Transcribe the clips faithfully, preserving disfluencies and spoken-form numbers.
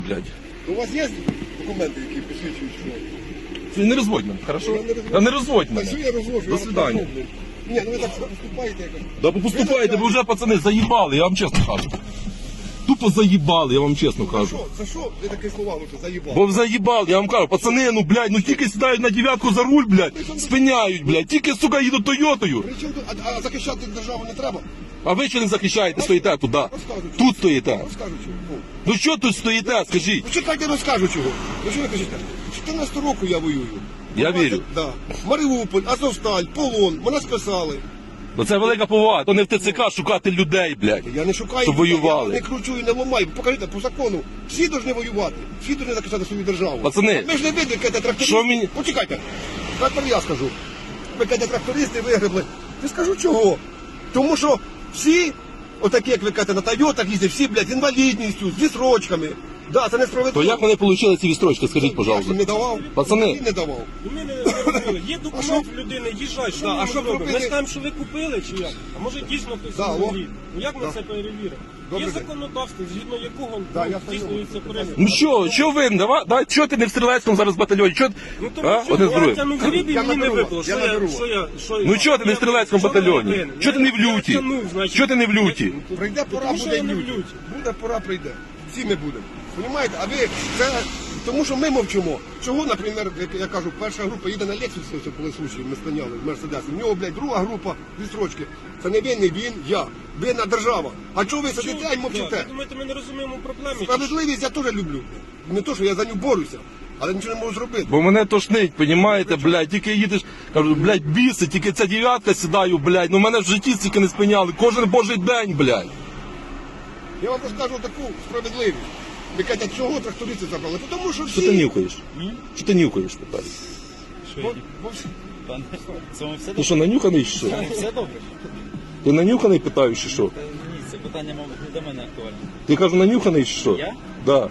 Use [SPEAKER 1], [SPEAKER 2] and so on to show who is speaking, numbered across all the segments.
[SPEAKER 1] Блядь.
[SPEAKER 2] У вас є документи, які посвідчують, що?
[SPEAKER 1] Ти не розводь мене, хорошо?
[SPEAKER 2] Я не розводжу.
[SPEAKER 1] Та не розводь
[SPEAKER 2] Та
[SPEAKER 1] мене.
[SPEAKER 2] що я розвожу?
[SPEAKER 1] До свидання.
[SPEAKER 2] Ні, ну ви так поступаєте якось.
[SPEAKER 1] Да поступайте, ви вже, пацани, заїбали, я вам чесно кажу. Тупо заїбали, я вам чесно
[SPEAKER 2] За
[SPEAKER 1] кажу.
[SPEAKER 2] що? За що ви такі слова лучше заїбали?
[SPEAKER 1] Бо заїбали, я вам кажу, пацани, ну, блядь, ну тільки сідають на дев'ятку за руль, блядь, спиняють, блядь, тільки, сука, їдуть Тойотою.
[SPEAKER 2] При чому тут? А, а захищати державу не треба?
[SPEAKER 1] А ви що не захищаєте, стоїте туди?
[SPEAKER 2] Розкажу.
[SPEAKER 1] Тут стоїте.
[SPEAKER 2] Розкажу чого. Ну,
[SPEAKER 1] Ну що тут стоїте, скажіть?
[SPEAKER 2] Ну чекайте, розкажу чого. Ну що ви кажете? чотирнадцятого року я воюю.
[SPEAKER 1] Я
[SPEAKER 2] двадцять
[SPEAKER 1] вірю.
[SPEAKER 2] Да. Маріуполь, Азовсталь, полон, мене списали.
[SPEAKER 1] Ну це велика повага, то не в ТЦК шукати людей, блядь.
[SPEAKER 2] Я не шукаю,
[SPEAKER 1] Щоб
[SPEAKER 2] людей,
[SPEAKER 1] воювали.
[SPEAKER 2] я не кручу і не ламаю. Покажіть, по закону, всі повинні воювати, всі повинні захищати свою державу.
[SPEAKER 1] Пацани,
[SPEAKER 2] Ми ж не видно, яке трактористи.
[SPEAKER 1] що мені-
[SPEAKER 2] Почекайте, трактор я скажу. Ви кажете, трактористи вигребли. Я скажу чого? Тому що всі, отакі, як ви кажете, на Тойотах їздять, всі, блядь, з інвалідністю, з відсрочками. Да, це несправедливо.
[SPEAKER 1] то як вони отримали ці відстрочки, скажіть,
[SPEAKER 2] Я
[SPEAKER 1] пожалуйста?
[SPEAKER 2] ж їм не давав.
[SPEAKER 1] Пацани.
[SPEAKER 2] Він не давав.
[SPEAKER 3] І ми не зрозуміли. Є
[SPEAKER 2] А що?
[SPEAKER 3] документ в людини, їжджай, що
[SPEAKER 2] Да,
[SPEAKER 3] ми
[SPEAKER 2] а що
[SPEAKER 3] робимо?
[SPEAKER 2] робити?
[SPEAKER 3] Ми скажемо, що ви купили чи як? А може дійсно хтось
[SPEAKER 2] Да,
[SPEAKER 3] інвалід?
[SPEAKER 2] о.
[SPEAKER 3] Ну як ми
[SPEAKER 2] Да.
[SPEAKER 3] це перевіримо?
[SPEAKER 2] Добрий
[SPEAKER 3] Є
[SPEAKER 2] день.
[SPEAKER 3] законодавство, згідно якого
[SPEAKER 2] Да,
[SPEAKER 3] ну,
[SPEAKER 2] я стою.
[SPEAKER 3] здійснюється перевірка.
[SPEAKER 1] Ну що, що ви, давай, давай, чого ти не в стрілецькому зараз батальйоні? Чого,
[SPEAKER 3] Ну тому
[SPEAKER 1] а?
[SPEAKER 3] що
[SPEAKER 1] Одне з
[SPEAKER 3] я
[SPEAKER 1] другим.
[SPEAKER 3] тягнув гріб і
[SPEAKER 2] Я
[SPEAKER 3] мені не
[SPEAKER 2] наберу
[SPEAKER 3] випало.
[SPEAKER 2] вас,
[SPEAKER 3] Що
[SPEAKER 2] я
[SPEAKER 3] я,
[SPEAKER 2] наберу
[SPEAKER 3] що я, що я?
[SPEAKER 1] Ну чого ти не в стрілецькому батальйоні? Чого ти не в люті? Чого ти не в люті?
[SPEAKER 2] Прийде пора,
[SPEAKER 3] Тому що
[SPEAKER 2] буде
[SPEAKER 3] я не в
[SPEAKER 2] в люті.
[SPEAKER 3] люті.
[SPEAKER 2] Буде пора, прийде. Всі ми будемо. Понімаєте? А ви, це, тому що ми мовчимо. Чого, наприклад, як я кажу, перша група їде на Лексусі, ось були случаї, ми спиняли, Мерседес. У нього, блядь, друга група відстрочки. Це не він, не він, я. Винна держава. А чого ви сидите і мовчите?
[SPEAKER 3] Ви думаєте, ми не розуміємо проблеми? чи що?
[SPEAKER 2] Справедливість я теж люблю. Не то, що я за нього борюся, але нічого не можу зробити.
[SPEAKER 1] Бо мене тошнить, понімаєте, блядь, тільки їдеш, кажу, блядь, біси, тільки ця дев'ятка сідаю, блядь, ну мене в житті стільки не спиняли, кожен божий день, блядь.
[SPEAKER 2] Я вам розкажу таку справедливість. Ви кажете, чого трактористи забрали? Тому що всі...
[SPEAKER 1] Що ти нюхаєш? Що ти нюхаєш, питаю?
[SPEAKER 2] Бо- бо всі-
[SPEAKER 4] Пане, це вам все
[SPEAKER 1] Ти
[SPEAKER 4] добре?
[SPEAKER 1] що, нанюханий чи що?
[SPEAKER 4] Це вам все добре?
[SPEAKER 1] Ти нанюханий, питаю, чи що?
[SPEAKER 4] Ні, це питання, мабуть, не до мене актуальне.
[SPEAKER 1] Ти кажу, нанюханий чи що?
[SPEAKER 4] Я?
[SPEAKER 1] Да.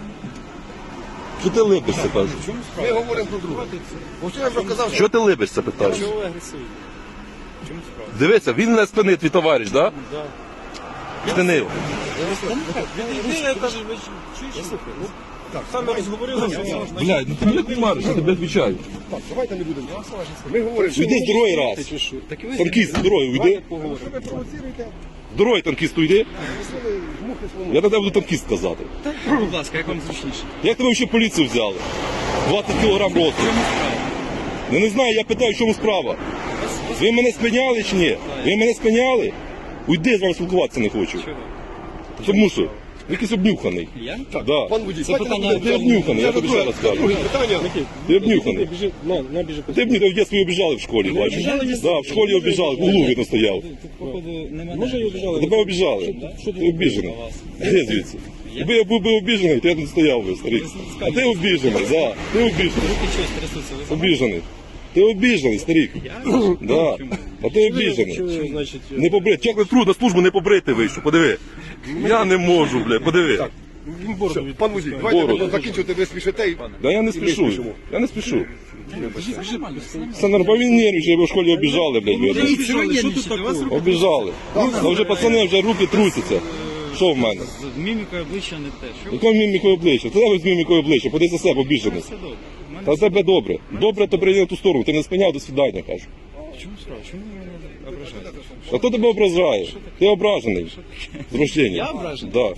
[SPEAKER 1] Що ти липишся, кажу?
[SPEAKER 4] В чому
[SPEAKER 2] Ми
[SPEAKER 4] справа?
[SPEAKER 2] говоримо про друге. Ось я вже казав,
[SPEAKER 1] Що ти липишся, питаю?
[SPEAKER 4] Чого ви агресуєте? В чому справа?
[SPEAKER 1] Дивися, він не спинив, твій товариш, да?
[SPEAKER 4] Да.
[SPEAKER 1] Спинив.
[SPEAKER 3] Відійди, я кажу, ви чуєш? Ну, так, саме розговорилися.
[SPEAKER 1] Блядь, ну ти мене кумариш, я тобі відвічаю.
[SPEAKER 2] так, давайте не будемо. Ми говоримо, що
[SPEAKER 1] Уйди з дороги раз.
[SPEAKER 4] Так і ви
[SPEAKER 1] Танкіст, з дороги, уйди.
[SPEAKER 2] що ви провоціруєте,
[SPEAKER 1] З дороги танкіст уйди.
[SPEAKER 2] ви мухи свому.
[SPEAKER 1] Я на тебе буду танкіст сказати.
[SPEAKER 4] будь ласка, як вам зручніше?
[SPEAKER 1] Як тебе ще поліцію взяли? двадцять кілограм росту.
[SPEAKER 4] В чому справа?
[SPEAKER 1] Ну не знаю, я питаю, в чому справа. Ви мене спиняли чи ні? Ви мене спиняли? Уйди, з вами спілкуватися не хочу.
[SPEAKER 4] Чого?
[SPEAKER 1] Тому що якийсь обнюханий.
[SPEAKER 4] Я?
[SPEAKER 1] Да.
[SPEAKER 2] Пан водій,
[SPEAKER 4] Це
[SPEAKER 2] давайте
[SPEAKER 4] питання
[SPEAKER 2] не будемо.
[SPEAKER 1] Ти обнюханий, я тобі ще раз кажу.
[SPEAKER 2] Друге питання.
[SPEAKER 1] Ти обнюханий.
[SPEAKER 3] Біжи, на, на, біжи.
[SPEAKER 1] Ти б в дитинстві обіжали в школі, бачиш? Да, в школі обіжали, в углу видно стояв.
[SPEAKER 4] Тут, походу, немає.
[SPEAKER 3] Може, і обіжали?
[SPEAKER 1] Тебе обіжали. Ти обіжений. Де звідси? Якби я був би обіжений, то я тут стояв би, старий. А ти обіжений, да. Ти обіжений.
[SPEAKER 4] Руки щось трясуться. Ви знаєте?
[SPEAKER 1] Обіжений. Ти обіжений, старик. Да. А ти
[SPEAKER 3] Що
[SPEAKER 1] обіжений.
[SPEAKER 3] ви, значить,
[SPEAKER 1] Не побрити. Як ви труд на службу не побрити вийшов, подиви. Я не можу, бля, подиви.
[SPEAKER 3] він бороду від...
[SPEAKER 2] Пан водій, давайте
[SPEAKER 1] Бороду.
[SPEAKER 2] будемо закінчувати, ви спішите. і-
[SPEAKER 1] Да я не спішу. Я не спішу. Все нормально, він нервничає, бо в школі обіжали, блядь, видно.
[SPEAKER 3] Що тут такого?
[SPEAKER 1] Обіжали. Ну вже пацани, вже руки трусяться. Що в мене?
[SPEAKER 4] З мімікою обличчя не те. Що ви?
[SPEAKER 1] Якою мімікою обличчя? Ти тебе з мімікою обличчя, поди за себе обіжений.
[SPEAKER 4] Все добре. У мене
[SPEAKER 1] Та в тебе добре. Добре, то прийди на ту сторону. Ти не спиняв, до свидання, кажу.
[SPEAKER 4] в чому справа? Чому ви мене ображаєте?
[SPEAKER 1] А хто тебе ображає? Ти ображений. З рождення.
[SPEAKER 4] Я ображений?
[SPEAKER 1] Да.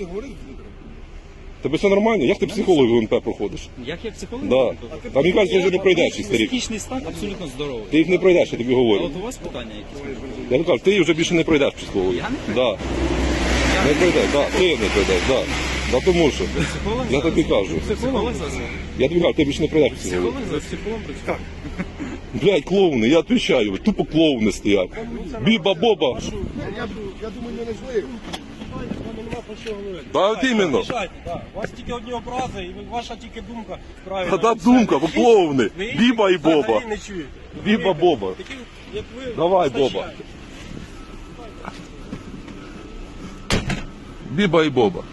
[SPEAKER 1] Тебе все нормально? Як ти психолог в УНП проходиш?
[SPEAKER 4] Як я психолог?
[SPEAKER 1] Да. Та мені кажуть, що вже не пройдеш їх, старик.
[SPEAKER 4] Психічний стан абсолютно здоровий.
[SPEAKER 1] Ти їх не пройдеш, я тобі
[SPEAKER 4] А
[SPEAKER 1] говорю.
[SPEAKER 4] от у вас питання якісь?
[SPEAKER 1] Я тобі кажу, ти вже більше не пройдеш психолога.
[SPEAKER 4] Я не
[SPEAKER 1] Да. Не пройдеш, да. Ти не пройдеш, да. Да тому що.
[SPEAKER 4] Психолог
[SPEAKER 1] Я
[SPEAKER 4] зараз?
[SPEAKER 1] тобі кажу.
[SPEAKER 4] Психолог зараз?
[SPEAKER 1] Я тобі кажу, ти більше не пройдеш психолога.
[SPEAKER 4] Психолог зараз? Психолог працює?
[SPEAKER 1] Блядь, клоуни, я відповідаю, тупо клоуни стоять. Біба-боба.
[SPEAKER 2] Я, я думаю, не злив.
[SPEAKER 3] Нема про що говорити.
[SPEAKER 1] Да, от іменно.
[SPEAKER 3] Рішайте, да. У вас тільки одні образи, і ви- ваша тільки думка правильна.
[SPEAKER 1] Та да думка, ви клоуни.
[SPEAKER 3] Ви їх
[SPEAKER 1] Біба і Боба.
[SPEAKER 3] взагалі не чуєте.
[SPEAKER 1] Біба, Боба.
[SPEAKER 3] Такі, як ви,
[SPEAKER 1] Давай,
[SPEAKER 3] вистачає.
[SPEAKER 1] Боба. Біба і Боба.